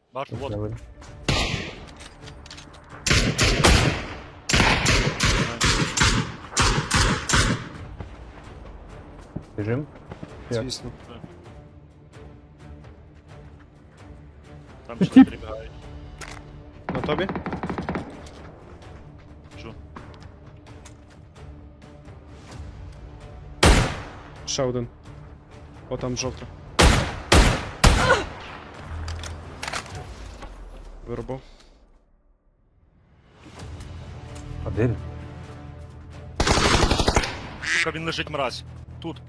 Бачу, вот. Я видно. Біжим? Як? Звісно. Там ще прибігають. На тобі? Чу. Ще один. О, там жовта. Виробив. А де він? Сука, він лежить мразь. Тут.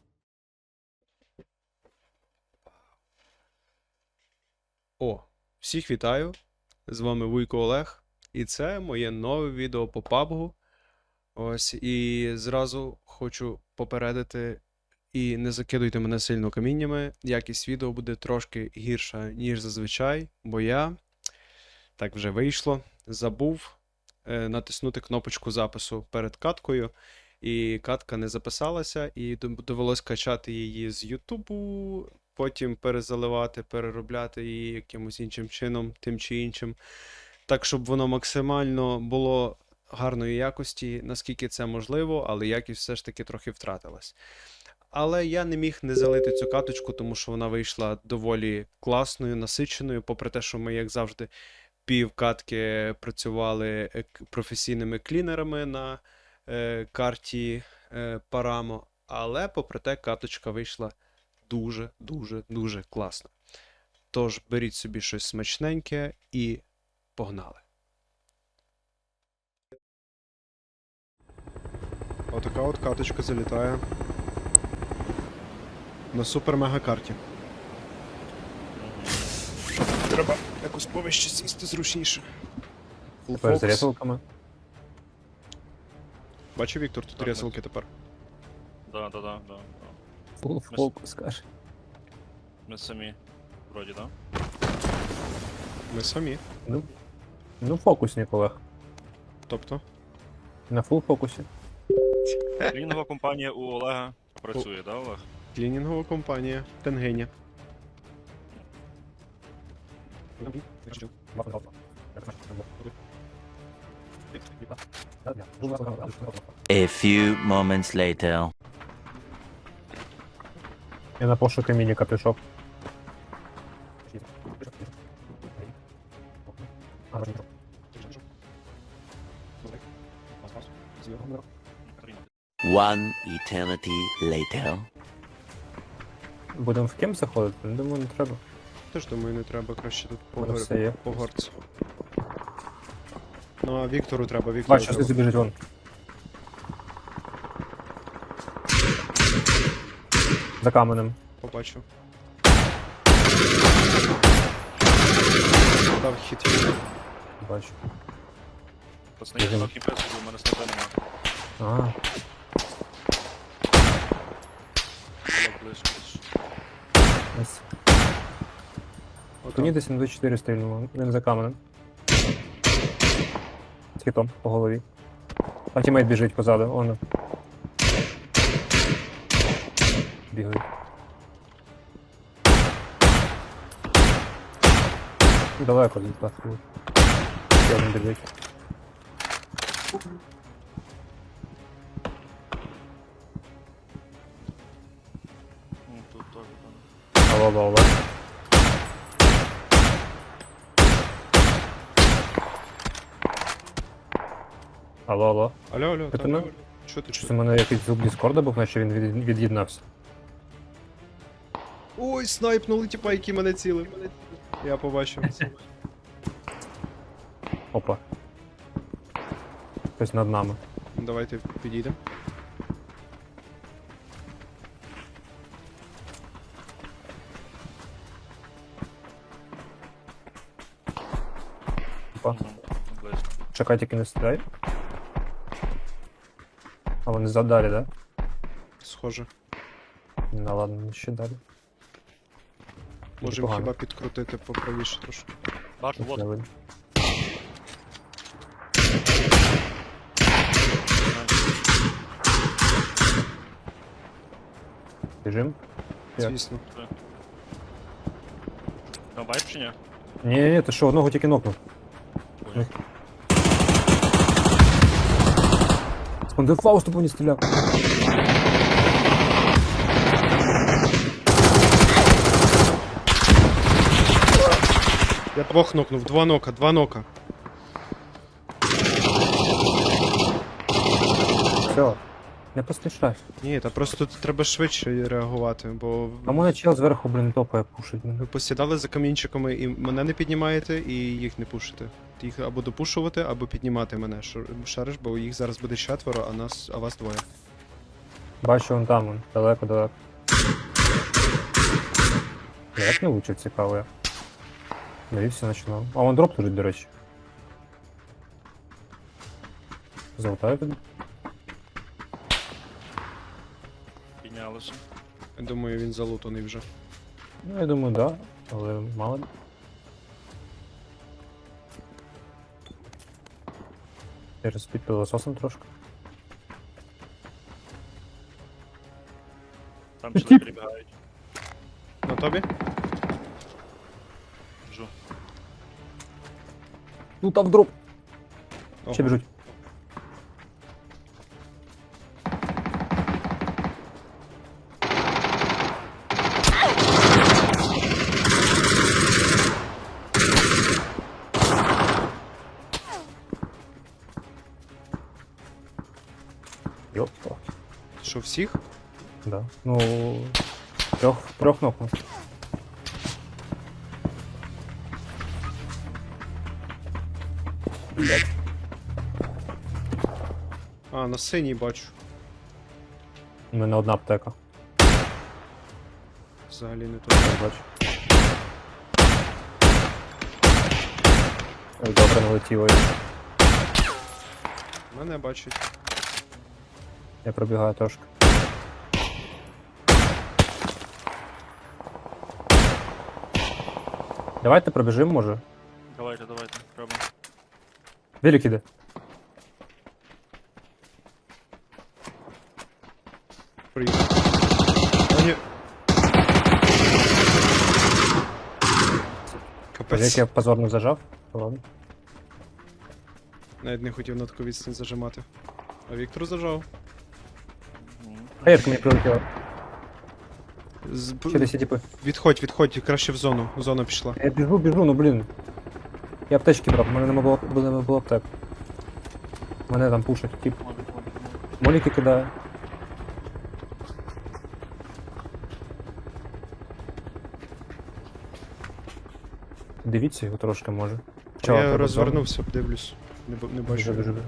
О, всіх вітаю! З вами Вуйко Олег, і це моє нове відео по PUBG. Ось, і зразу хочу попередити, і не закидуйте мене сильно каміннями, якість відео буде трошки гірша, ніж зазвичай, бо я, так вже вийшло, забув натиснути кнопочку запису перед каткою, і катка не записалася, і довелось качати її з Ютубу, потім перезаливати, переробляти її якимось іншим чином, тим чи іншим. Так, щоб воно максимально було гарної якості, наскільки це можливо, але якість все ж таки трохи втратилась. Але я не міг не залити цю каточку, тому що вона вийшла доволі класною, насиченою, попри те, що ми, як завжди, пів катки працювали професійними клінерами на карті Парамо, але попри те каточка вийшла дуже класно. Тож беріть собі щось смачненьке і погнали. Отака от каточка залітає на супер-мега карті. Треба якось повище сісти зручніше. Тепер з рятулками. Бачив, Віктор, тут Так, рясилки тепер. Да. Фул фокус, каже. Ми самі. Вроді, да? Ми самі. Ну, фокусник, Олег. Тобто, На фул фокусі. Клінова компанія у Олега працює, да, Олег? клінінгова компанія Тенгиня. A few moments later. Я на пошуки мініка пішов. One eternity later. Будемо в кем заходити? Думаю, не треба. Теж думаю, не треба краще тут Воно все є. по горцю. Ну а Віктору треба, Віктору Бачу, треба. що біжить вон. За каменем. Побачив. Дав хід. Бачу. Пацани, я трохи без, у мене снайпа нема. Ага. Олег близько. Ось. Мені десь на 24 стрільнуло. Він за каменем. З хітом по голові. А тімейт біжить позаду, он. Бігають. Далеко звідти. Ще один біжить. Ну, тут теж там. Алло. Алло. Алло, Це там. ми? Що ти Щось у мене якийсь звук Діскорда був, наче він від'єднався. Ой, снайпнули тіпа, які мене цілив. Я побачив. Опа. Хтось над нами. Давайте підійдемо. Опа. Близько. Чекай, тільки не стріляй. А вони задалі, да? Схоже. Ну ладно, ще далі. Можемо Непогано. хіба підкрутити поправіше трошки. Бачу, Не вот. видно. Біжим? Як? Звісно. Там вайп чи ні? Ні, ти що, одного тільки нокнув. Понял. Спондив Фаусту по мені стріляв. Я двох нокнув, два нока. Все. Не поспішай. Ні, та просто тут треба швидше реагувати, бо А мене чел зверху, блін, топає пушить мене. ви посідали за камінчиками і мене не піднімаєте, і їх не пушите. Їх або допушувати, або піднімати мене. Шариш, бо їх зараз буде 4, а вас 2. Бачу, вон там, вон, далеко. Як не влучив, цікаво я. Навівся, починав. А вон дроп лежить, до речі. Золотаю тобі. Піднялося. Я думаю, він залутаний вже. Ну, я думаю, да, але мало. Зараз під пилососом трошки. Там Тіп. сюди прибігають. На тобі? Жу. Ну там дроп. Ого. Ще біжуть. Йопа. Що, всіх? Да. Ну, трьох нокнув. А, на синій бачу. У мене одна аптека. Взагалі не тут. Я бачу. Ой, добре, налетіло. Мене бачить. Я пробігаю трошки. Давайте пробіжимо, може. Давайте, пробуємо. Велик іде. Приїхав. О, ні. Капець. Велик я позорно зажав. Ладно. Навіть не хотів на таку відстань зажимати. А Віктор зажав. Мгм. Хаєрка мені прилетіла. З... Ще десь є типи. Відходь, краще в зону. Зона пішла. Я біжу, ну блін. Я аптечки брав, у мене не було аптек. Мене там пушать, тип. Моліки кидає. Дивіться його трошки може. Чого, Я тебе розвернувся, дивлюсь. Не бачу. Біжу, біжу.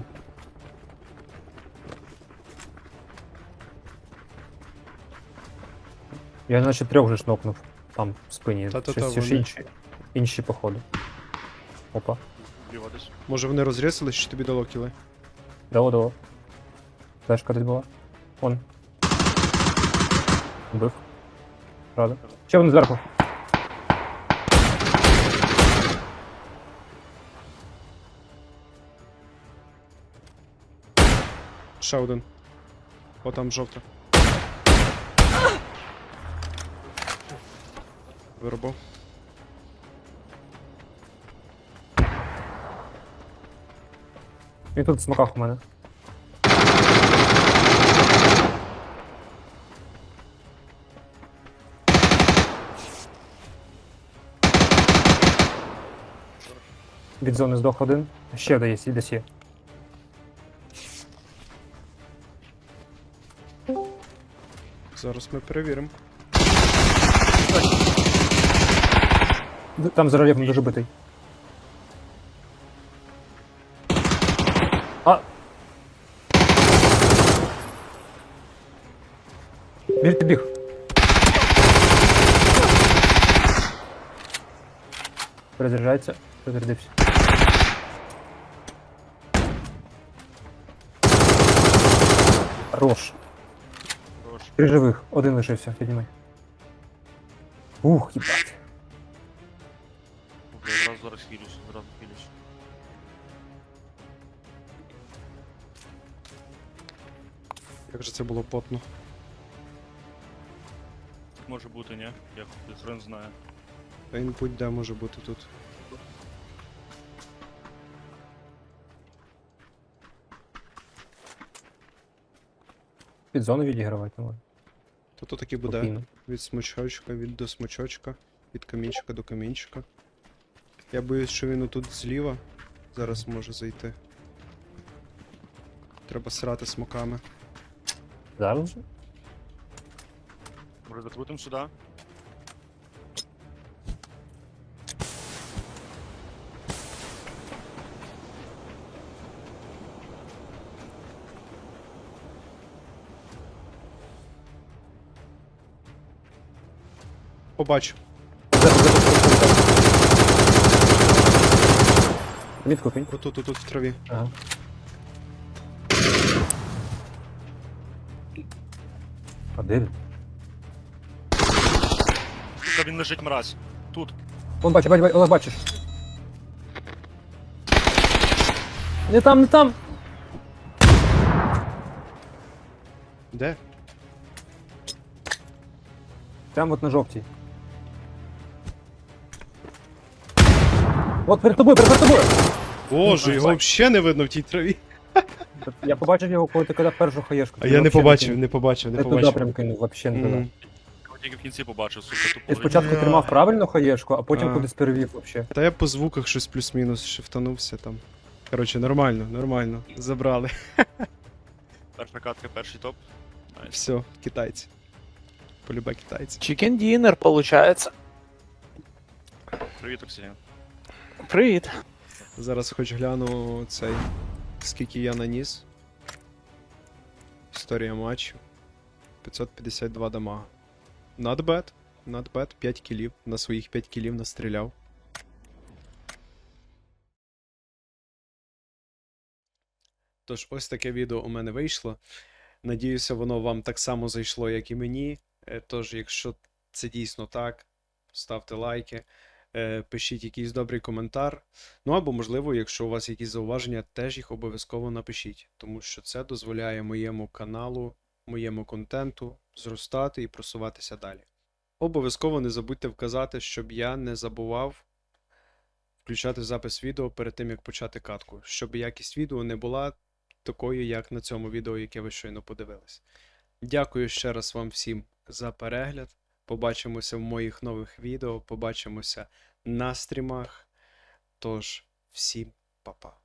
Я наче трьох вже шнопнув. Там в спині. Та-та-та, Щось вони. інші походу. Опа. Зліва десь. Може вони розрізались, чи тобі дало кіли? Дало. Флешка десь була. Вон. Вбив. Правда. Ще вони зверху. Ще один. О, там жовта. Виробив. Він тут в смоках у мене. Від зони здох один. Ще десь є. Зараз ми перевіримо. Там за рельєфом дуже битий. А! Він підбіг. Перезаряджається. Перезарядився. Хорош. Хорош. 3 живих. Один лишився. Піднімай. Ух, їбать. Бля, зараз хилюсь. Як же це було потно. Може бути, ні? Як хрен знає. Та він будь-де може бути тут. під зону відігравати, ну, То таки буде. спокійно. Від смочочка, до смочочка, від камінчика до камінчика. Я боюсь, що він отут зліва зараз може зайти. Треба срати смоками. Зараз же? Може закрутим сюди? Побачу. Мітку кинь. Отут в траві. Ага. А де він? Тут він лежить мразь. Тут. Вон бачиш, Олег, бачиш. Не там, не там! Де? Прямо от на жовтій. От перед тобою, перед тобою! Боже, його взагалі не видно в тій траві. Я побачив його, коли ти кидав першу хаєшку. А я не побачив, не побачив, не Не туди побачив. прям кинув, вообще не туди. Мгм. Я тільки в кінці побачив, сука, Ти тупо. спочатку Бля. тримав правильно хаєшку, а потім А. кудись перевів вообще. Та я по звуках щось плюс-мінус шифтанувся там. Коротше, нормально, нормально. Забрали. Перша катка, перший топ. Найс. Все, китайці. Полюбе китайці. Чикен дінер, получається. Привіт, Оксія. Привіт. Зараз хоч гляну цей. Скільки я наніс. Історія матчу. 552 дамага. Not bad. Not bad. 5 кілів. На своїх 5 кілів настріляв. Тож, ось таке відео у мене вийшло. Надіюся, воно вам так само зайшло, як і мені. Тож, якщо це дійсно так, ставте лайки, пишіть якийсь добрий коментар. Ну або, можливо, якщо у вас якісь зауваження, теж їх обов'язково напишіть, тому що це дозволяє моєму каналу, моєму контенту зростати і просуватися далі. Обов'язково не забудьте вказати, щоб я не забував включати запис відео перед тим, як почати катку, щоб якість відео не була такою, як на цьому відео, яке ви щойно подивились. Дякую ще раз вам всім за перегляд. Побачимося в моїх нових відео, побачимося на стрімах. Тож, всім па-па.